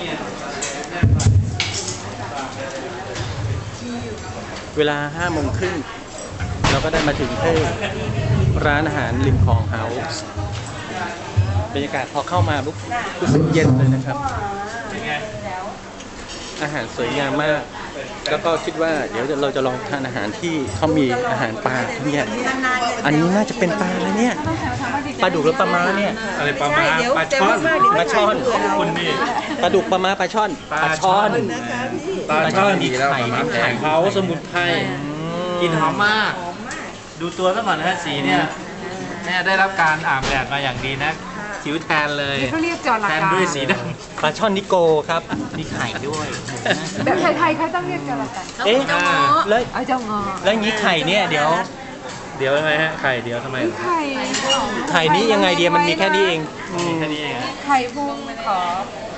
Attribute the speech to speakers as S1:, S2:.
S1: เวลา5:30เราก็ได้มาถึงที่ร้านอาหารริมคลองเฮาส์บรรยากาศพอเข้ามาปุ๊บรู้สึกเย็นเลยนะครับอาหารสวยงามมากแล้วก็คิดว่าเดี๋ยวเราจะลองทานอาหารที่เขามีอาหารปลาเนี่ยอันนี้น่าจะเป็นปลาอะไรเนี่ยปลาดุกหรือปลาม้าเนี่ย
S2: อะไรปลาม้าปลาช่อน
S1: ปลาช่อน
S2: คุณนี่
S1: ปลาดุกปลาม้าปลาช่อนปลาช่อน
S2: ปลาช่อน
S1: มีไข่มีไข่
S2: เขาสมุนไพรกลิ่นหอมมาก ดูตัวซะก่อนนะฮะสีเนี่ยแม่ได้รับการอาบแดดมาอย่างดีนะผิวแทนเลย
S3: เขาเรียกจระ
S2: แทน
S3: เข้
S2: ด้วยสีด
S1: ปลาช่อนนิโกครับมีไข่ด้วย
S3: แบบไทยๆเขาต้องเรียกจระเข้
S1: เอ๊ะแล้ว
S3: เอาเจ้างอ
S1: แล้วอย่างนี้ไข่เนี่ยเดี๋ยว
S2: ำเดี๋ยวทำไมฮะไข่เดี๋ยวทำไม
S3: ไข่
S1: ไข่นี้ยังไงเดียมันมีแค่นี้เอง
S2: แค่นี้เอง
S3: ไข่พุงขอ